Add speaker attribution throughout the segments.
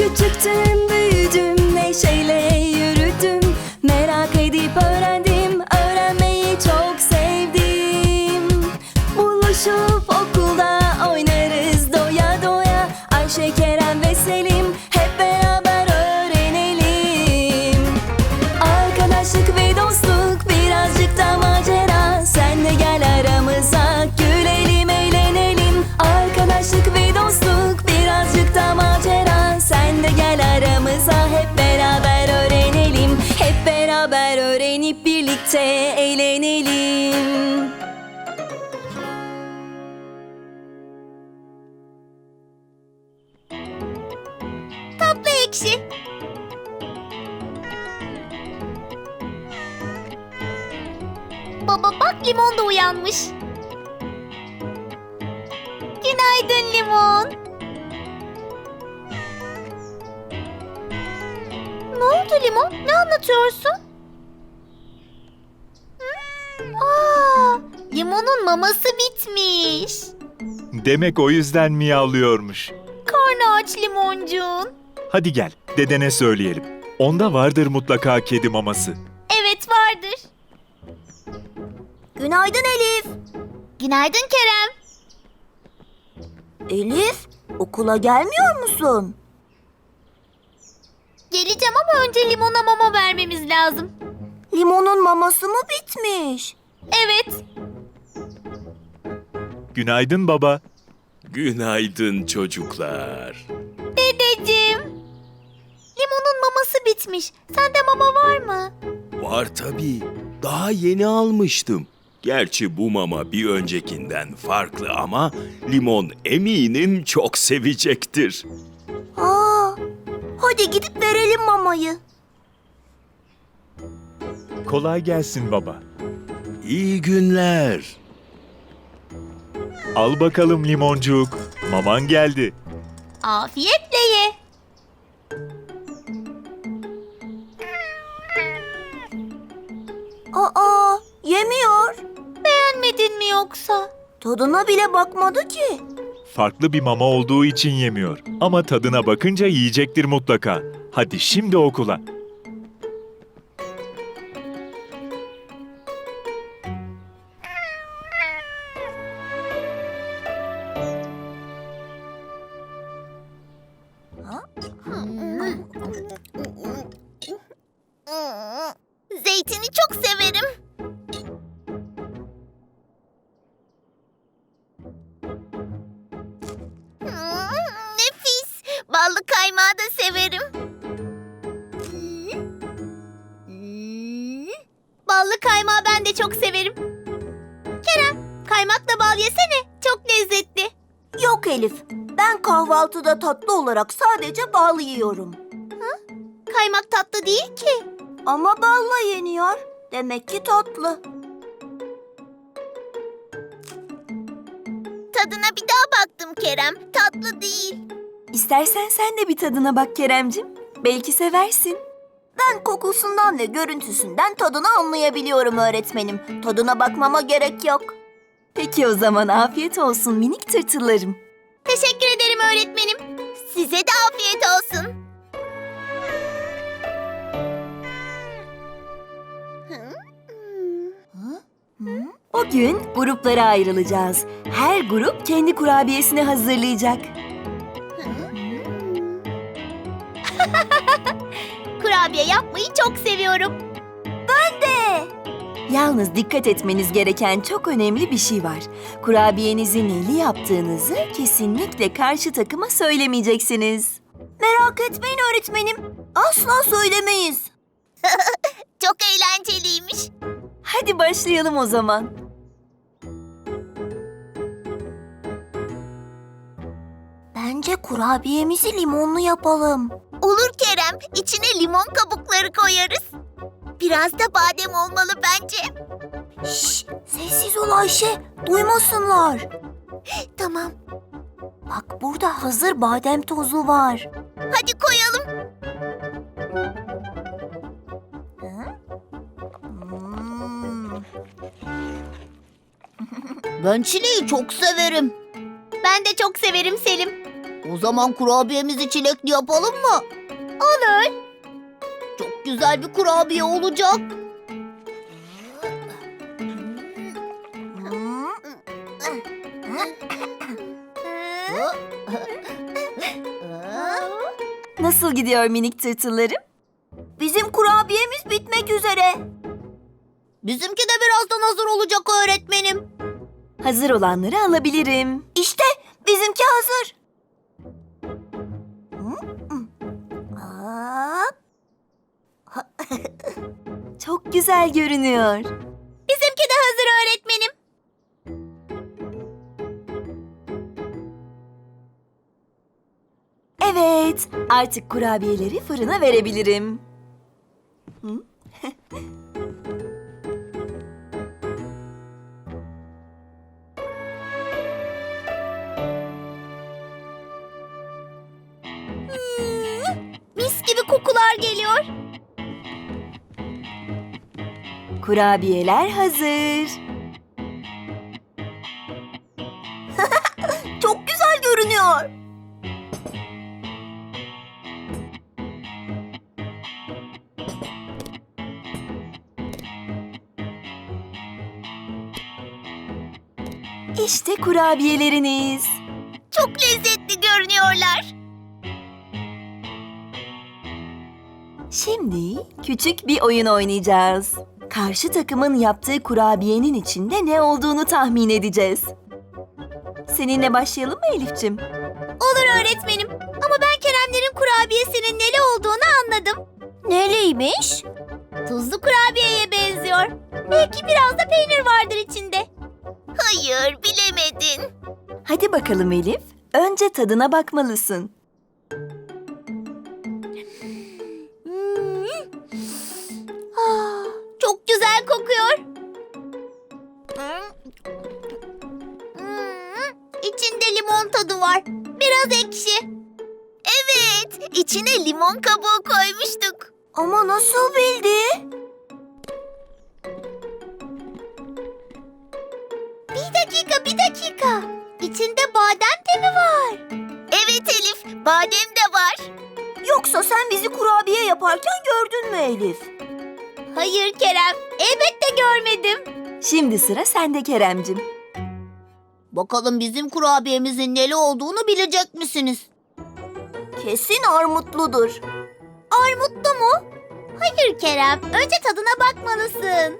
Speaker 1: Küçüktüm, büyüdüm, neşeyle yürüdüm. Merak edip öğrendim, öğrenmeyi çok sevdim. Buluşup okulda oynarız doya doya. Ayşe, Kerem ve Selim hep beraber öğrenelim. Arkadaşlık ve dostluk, birazcık da macera. Sen de gel aramıza, gülelim, eğlenelim. Arkadaşlık ve dostluk, birazcık da macera. Sen de gel aramıza, hep beraber öğrenelim. Hep beraber öğrenip birlikte eğlenelim.
Speaker 2: Tatlı ekşi. Baba bak, Limon da uyanmış. Günaydın Limon. Ne oldu Limon? Ne anlatıyorsun? Limon'un maması bitmiş.
Speaker 3: Demek o yüzden miyavlıyormuş.
Speaker 2: Karnı aç Limoncuğun.
Speaker 3: Hadi gel, dedene söyleyelim. Onda vardır mutlaka kedi maması.
Speaker 2: Evet, vardır.
Speaker 4: Günaydın Elif.
Speaker 2: Günaydın Kerem.
Speaker 4: Elif, okula gelmiyor musun?
Speaker 2: Geleceğim ama önce Limon'a mama vermemiz lazım.
Speaker 4: Limonun maması mı bitmiş?
Speaker 2: Evet.
Speaker 3: Günaydın baba.
Speaker 5: Günaydın çocuklar.
Speaker 2: Dedeciğim. Limon'un maması bitmiş. Sende mama var mı?
Speaker 5: Var tabii. Daha yeni almıştım. Gerçi bu mama bir öncekinden farklı ama Limon eminim çok sevecektir.
Speaker 4: Aa, hadi gidip verelim mamayı.
Speaker 3: Kolay gelsin baba.
Speaker 5: İyi günler.
Speaker 3: Al bakalım limoncuk. Maman geldi.
Speaker 2: Afiyetle ye.
Speaker 4: Aa, yemiyor.
Speaker 2: Beğenmedin mi yoksa?
Speaker 4: Tadına bile bakmadı ki.
Speaker 3: Farklı bir mama olduğu için yemiyor. Ama tadına bakınca yiyecektir mutlaka. Hadi şimdi okula.
Speaker 2: Zeytini çok severim. Nefis. Ballı kaymağı da severim. Ballı kaymağı ben de çok severim. Kerem, kaymakla bal yesene. Çok lezzetli.
Speaker 4: Yok Elif, ben kahvaltıda tatlı olarak sadece bal yiyorum.
Speaker 2: Kaymak tatlı değil ki.
Speaker 4: Ama balla yeniyor. Demek ki tatlı.
Speaker 2: Tadına bir daha baktım Kerem. Tatlı değil.
Speaker 1: İstersen sen de bir tadına bak Keremcim. Belki seversin.
Speaker 4: Ben kokusundan ve görüntüsünden tadını anlayabiliyorum öğretmenim. Tadına bakmama gerek yok.
Speaker 1: Peki o zaman afiyet olsun minik tırtıllarım.
Speaker 2: Teşekkür ederim öğretmenim. Size de afiyet olsun.
Speaker 1: Bugün gruplara ayrılacağız. Her grup kendi kurabiyesini hazırlayacak.
Speaker 2: Kurabiye yapmayı çok seviyorum.
Speaker 1: Yalnız dikkat etmeniz gereken çok önemli bir şey var. Kurabiyenizin neli yaptığınızı kesinlikle karşı takıma söylemeyeceksiniz.
Speaker 4: Merak etmeyin öğretmenim. Asla söylemeyiz.
Speaker 2: Çok eğlenceliymiş.
Speaker 1: Hadi başlayalım o zaman.
Speaker 4: Bence kurabiyemizi limonlu yapalım.
Speaker 2: Olur Kerem. İçine limon kabukları koyarız. Biraz da badem olmalı bence.
Speaker 4: Şşş, sessiz ol Ayşe. Duymasınlar.
Speaker 2: Tamam.
Speaker 4: Bak burada hazır badem tozu var.
Speaker 2: Hadi koyalım.
Speaker 4: Ben çileği çok severim.
Speaker 2: Ben de çok severim Selim.
Speaker 4: O zaman kurabiyemizi çilekli yapalım mı?
Speaker 2: Olur.
Speaker 4: Çok güzel bir kurabiye olacak.
Speaker 1: Nasıl gidiyor minik tırtıllarım?
Speaker 4: Bizim kurabiyemiz bitmek üzere. Bizimki de birazdan hazır olacak öğretmenim.
Speaker 1: Hazır olanları alabilirim.
Speaker 4: İşte bizimki hazır.
Speaker 1: Çok güzel görünüyor.
Speaker 2: Bizimki de hazır öğretmenim.
Speaker 1: Evet, artık kurabiyeleri fırına verebilirim. Hı?
Speaker 2: Mis gibi kokular geliyor.
Speaker 1: Kurabiyeler hazır.
Speaker 4: Çok güzel görünüyor.
Speaker 1: İşte kurabiyeleriniz.
Speaker 2: Çok lezzetli görünüyorlar.
Speaker 1: Şimdi küçük bir oyun oynayacağız. Karşı takımın yaptığı kurabiyenin içinde ne olduğunu tahmin edeceğiz. Seninle başlayalım mı Elif'ciğim?
Speaker 2: Olur öğretmenim. Ama ben Keremlerin kurabiyesinin neli olduğunu anladım.
Speaker 4: Neliymiş?
Speaker 2: Tuzlu kurabiyeye benziyor. Belki biraz da peynir vardır içinde. Hayır, bilemedin.
Speaker 1: Hadi bakalım Elif. Önce tadına bakmalısın.
Speaker 2: Çok güzel kokuyor. İçinde limon tadı var. Biraz ekşi. Evet, içine limon kabuğu koymuştuk.
Speaker 4: Ama nasıl bildi?
Speaker 2: Bir dakika. İçinde badem de mi var? Evet Elif, badem de var.
Speaker 4: Yoksa sen bizi kurabiye yaparken gördün mü Elif?
Speaker 2: Hayır Kerem, elbette görmedim.
Speaker 1: Şimdi sıra sende Keremcim.
Speaker 4: Bakalım bizim kurabiyemizin neli olduğunu bilecek misiniz? Kesin armutludur.
Speaker 2: Armutlu mu? Hayır Kerem, önce tadına bakmalısın.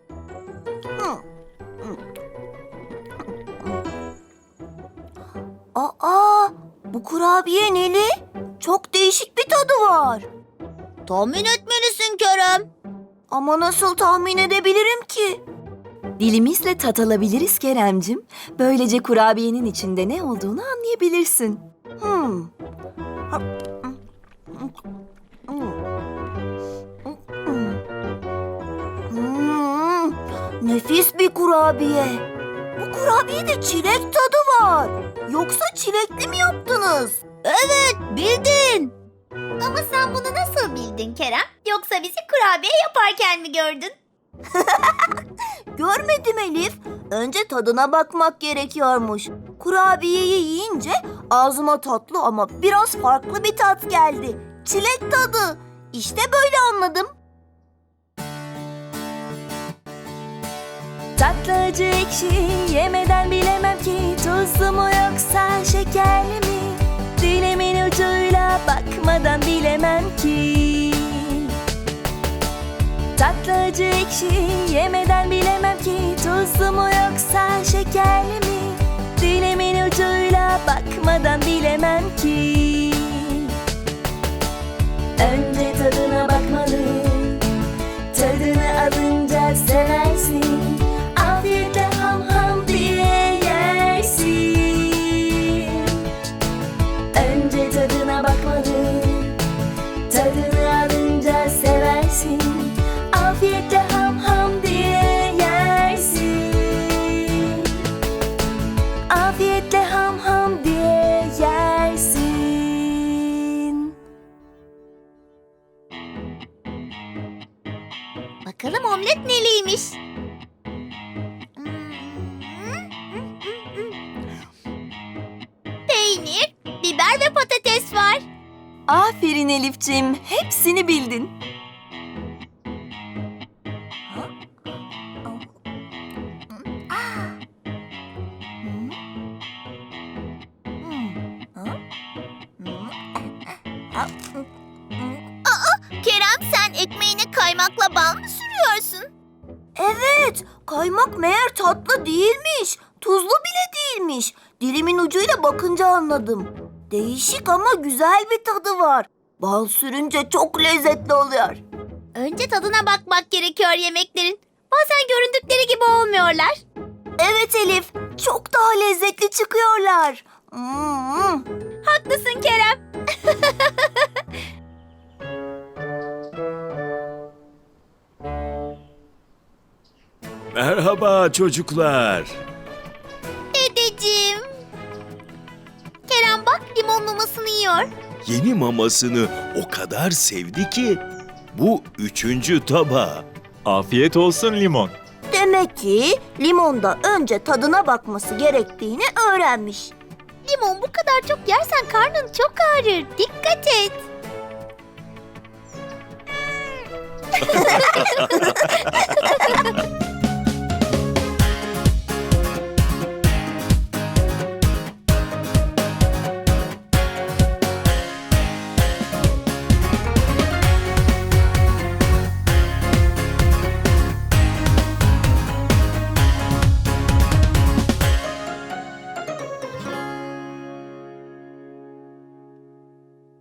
Speaker 4: Aa, bu kurabiye neli? Çok değişik bir tadı var. Tahmin etmelisin Kerem. Ama nasıl tahmin edebilirim ki?
Speaker 1: Dilimizle tat alabiliriz Keremcim. Böylece kurabiyenin içinde ne olduğunu anlayabilirsin.
Speaker 4: Nefis bir kurabiye. Bu kurabiyede çilek tadı var. Yoksa çilekli mi yaptınız? Evet, bildin.
Speaker 2: Ama sen bunu nasıl bildin Kerem? Yoksa bizi kurabiye yaparken mi gördün?
Speaker 4: Görmedim Elif. Önce tadına bakmak gerekiyormuş. Kurabiyeyi yiyince ağzıma tatlı ama biraz farklı bir tat geldi. Çilek tadı. İşte böyle anladım.
Speaker 1: Tatlı acı ekşi yemeden bilemem ki tuzlu mu yoksa şekerli mi? Dilimin ucuyla bakmadan bilemem ki. Tatlı acı ekşi yemeden bilemem ki tuzlu mu yoksa şekerli mi? Dilimin ucuyla bakmadan bilemem ki. Önce tadına bakmalı, tadını alınca seversin. Afiyetle ham ham diye yersin. Önce tadına bakmalı, tadını alınca seversin. Afiyetle ham ham diye yersin. Afiyetle ham ham diye yersin.
Speaker 2: Bakalım omlet neliymiş? Peynir, biber
Speaker 1: Aferin Elifçim, hepsini bildin.
Speaker 2: Kerem, sen ekmeğine kaymakla bal mı sürüyorsun?
Speaker 4: Evet, kaymak meğer tatlı değilmiş. Tuzlu bile değilmiş. Dilimin ucuyla bakınca anladım. Değişik ama güzel bir tadı var. Bal sürünce çok lezzetli oluyor.
Speaker 2: Önce tadına bakmak gerekiyor yemeklerin. Bazen göründükleri gibi olmuyorlar.
Speaker 4: Evet Elif, çok daha lezzetli çıkıyorlar.
Speaker 2: Haklısın Kerem.
Speaker 5: Merhaba çocuklar.
Speaker 2: Dedeciğim. Kerem bak, limon mamasını yiyor.
Speaker 5: Yeni mamasını o kadar sevdi ki bu 3. tabağı.
Speaker 3: Afiyet olsun Limon.
Speaker 4: Demek ki limonda önce tadına bakması gerektiğini öğrenmiş.
Speaker 2: Limon bu kadar çok yersen karnın çok ağrır. Dikkat et.